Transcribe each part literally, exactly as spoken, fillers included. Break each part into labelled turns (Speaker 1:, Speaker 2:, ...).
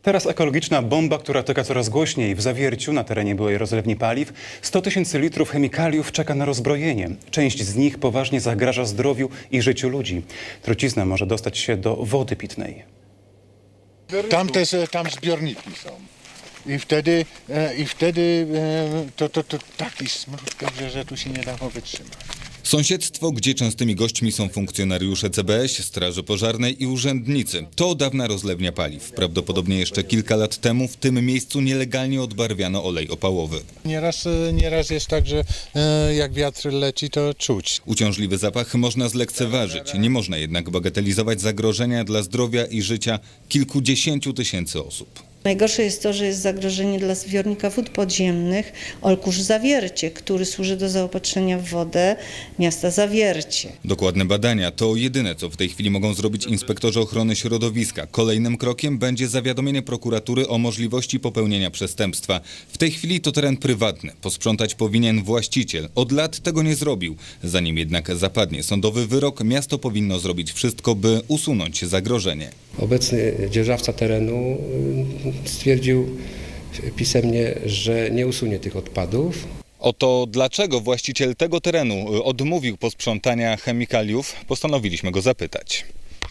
Speaker 1: Teraz ekologiczna bomba, która tyka coraz głośniej. W Zawierciu, na terenie byłej rozlewni paliw, sto tysięcy litrów chemikaliów czeka na rozbrojenie. Część z nich poważnie zagraża zdrowiu i życiu ludzi. Trucizna może dostać się do wody pitnej.
Speaker 2: Tam też tam zbiorniki są. I wtedy, e, i wtedy e, to, to, to taki smród, że, że tu się nie dało wytrzymać.
Speaker 3: Sąsiedztwo, gdzie częstymi gośćmi są funkcjonariusze C B S, Straży Pożarnej i urzędnicy. To dawna rozlewnia paliw. Prawdopodobnie jeszcze kilka lat temu w tym miejscu nielegalnie odbarwiano olej opałowy.
Speaker 2: Nieraz, nieraz jest tak, że e, jak wiatr leci, to czuć.
Speaker 3: Uciążliwy zapach można zlekceważyć. Nie można jednak bagatelizować zagrożenia dla zdrowia i życia kilkudziesięciu tysięcy osób.
Speaker 4: Najgorsze jest to, że jest zagrożenie dla zbiornika wód podziemnych Olkusz Zawiercie, który służy do zaopatrzenia w wodę miasta Zawiercie.
Speaker 3: Dokładne badania to jedyne, co w tej chwili mogą zrobić inspektorzy ochrony środowiska. Kolejnym krokiem będzie zawiadomienie prokuratury o możliwości popełnienia przestępstwa. W tej chwili to teren prywatny. Posprzątać powinien właściciel. Od lat tego nie zrobił. Zanim jednak zapadnie sądowy wyrok, miasto powinno zrobić wszystko, by usunąć zagrożenie.
Speaker 5: Obecny dzierżawca terenu stwierdził pisemnie, że nie usunie tych odpadów.
Speaker 3: Oto dlaczego właściciel tego terenu odmówił posprzątania chemikaliów, postanowiliśmy go zapytać.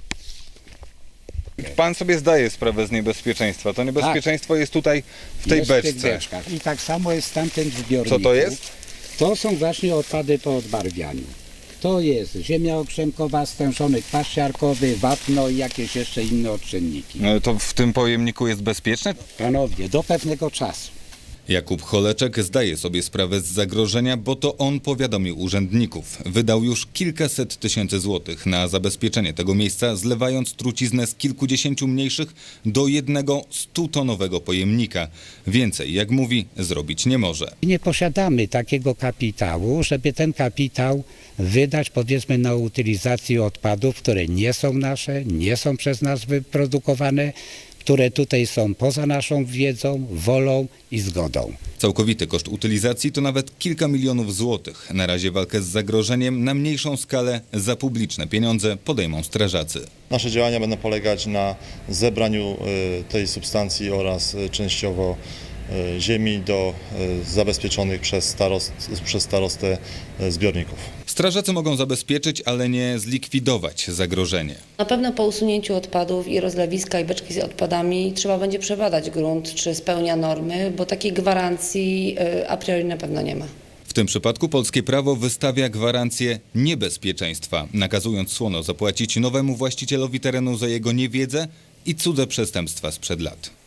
Speaker 3: Pan sobie zdaje sprawę z niebezpieczeństwa. To niebezpieczeństwo tak. jest tutaj w tej
Speaker 6: jest
Speaker 3: beczce.
Speaker 6: W tych beczkach. I tak samo jest w tamtym zbiorniku.
Speaker 3: Co to jest?
Speaker 6: To są właśnie odpady po odbarwianiu. To jest ziemia okrzemkowa, stężony kwas siarkowy, wapno i jakieś jeszcze inne odczynniki.
Speaker 3: To w tym pojemniku jest bezpieczne?
Speaker 6: Panowie, do pewnego czasu.
Speaker 3: Jakub Choleczek zdaje sobie sprawę z zagrożenia, bo to on powiadomił urzędników. Wydał już kilkaset tysięcy złotych na zabezpieczenie tego miejsca, zlewając truciznę z kilkudziesięciu mniejszych do jednego stutonowego pojemnika. Więcej, jak mówi, zrobić nie może.
Speaker 6: Nie posiadamy takiego kapitału, żeby ten kapitał wydać, powiedzmy, na utylizację odpadów, które nie są nasze, nie są przez nas wyprodukowane, które tutaj są poza naszą wiedzą, wolą i zgodą.
Speaker 3: Całkowity koszt utylizacji to nawet kilka milionów złotych. Na razie walkę z zagrożeniem na mniejszą skalę za publiczne pieniądze podejmą strażacy.
Speaker 7: Nasze działania będą polegać na zebraniu tej substancji oraz częściowo ziemi do zabezpieczonych przez, starost, przez starostę zbiorników.
Speaker 3: Strażacy mogą zabezpieczyć, ale nie zlikwidować zagrożenie.
Speaker 8: Na pewno po usunięciu odpadów i rozlewiska i beczki z odpadami trzeba będzie przebadać grunt, czy spełnia normy, bo takiej gwarancji a priori na pewno nie ma.
Speaker 3: W tym przypadku polskie prawo wystawia gwarancję niebezpieczeństwa, nakazując słono zapłacić nowemu właścicielowi terenu za jego niewiedzę i cudze przestępstwa sprzed lat.